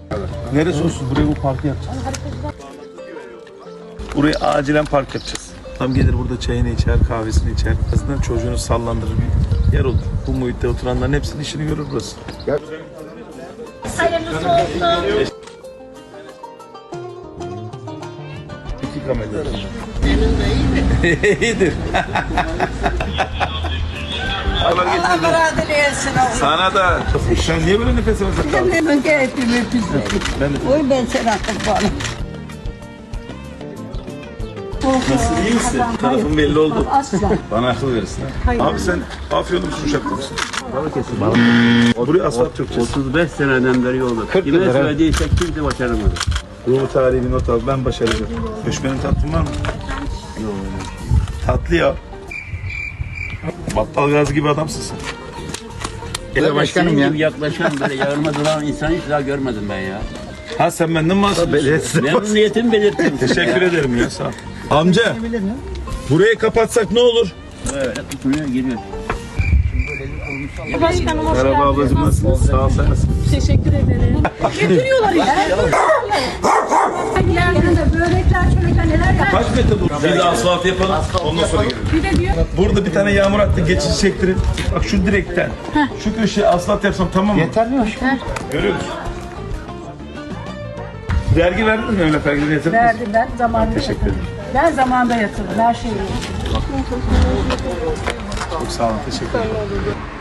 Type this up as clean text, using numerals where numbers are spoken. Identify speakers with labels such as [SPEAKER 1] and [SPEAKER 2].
[SPEAKER 1] Neresi olsun? Buraya bu parkı yapacağız. Buraya acilen park yapacağız. Tam gelir burada çayını içer, kahvesini içer. Aslında çocuğunu sallandırır bir yer olur. Bu muhitte oturanların hepsinin işini görür burası.
[SPEAKER 2] Hayırlısı olsun.
[SPEAKER 1] İki kamera. İyidir.
[SPEAKER 3] Allah beraber etsin oğlum.
[SPEAKER 1] Sana da. Sen niye böyle nefes alıyorsun?
[SPEAKER 3] Ben keyfimi
[SPEAKER 1] Ben de.
[SPEAKER 3] Oy ben sana kurbanım.
[SPEAKER 1] Nasıl, iyi misin? Tarafın belli oldu.
[SPEAKER 2] Asla.
[SPEAKER 1] Bana akıl verirsin. Abi sen Afyonlu musun, Uşaklı mısın?
[SPEAKER 4] Balıkesir.
[SPEAKER 1] Buraya asfalt yapacağız.
[SPEAKER 4] 35 seneden beri yolda.
[SPEAKER 1] 40
[SPEAKER 4] Kime
[SPEAKER 1] yıldır,
[SPEAKER 4] söylediysek kimse başaramadı.
[SPEAKER 1] Ruhu tarihi bir not al. Ben başaracağım. Göçmenin tatlın var mı? Yok. Tatlı ya. Battal Gazi gibi adamsın sen.
[SPEAKER 4] Başkanım senin gibi yaklaşan böyle yağırma duran insan hiç daha görmedim ben ya.
[SPEAKER 1] Ha sen benden mi bahsediyorsun?
[SPEAKER 4] Memnuniyetimi belirtiyorum.
[SPEAKER 1] Teşekkür ederim ya, sağ ol. Amca, burayı kapatsak ne olur?
[SPEAKER 4] Evet, tutunuyor giriyor.
[SPEAKER 2] Başkanım hoş
[SPEAKER 1] Merhaba
[SPEAKER 2] geldiniz.
[SPEAKER 1] ablacığım, nasılsın? Sağ ol, sen nasılsın?
[SPEAKER 2] Teşekkür ederim. Getiriyorlar ya. Yanında börekler, çörekler neler yapıyor.
[SPEAKER 1] Kaç metre bu? Bir de asfalt yapalım, ondan sonra girelim.
[SPEAKER 2] Bir de diyor.
[SPEAKER 1] Burada bir tane yağmur attı, geçici çektirin. Bak şu direkten, şu köşeye asfalt yapsam tamam mı? Yeter mi? Görüyor musun? Vergi verdin mi Mehmet Ergin? Yeter mi?
[SPEAKER 2] Verdim ben zamanında
[SPEAKER 1] Teşekkür
[SPEAKER 2] yatırdım.
[SPEAKER 1] ederim.
[SPEAKER 2] Ben zamanında yatırdım her şeyi.
[SPEAKER 1] Çok sağ olun, teşekkür ederim.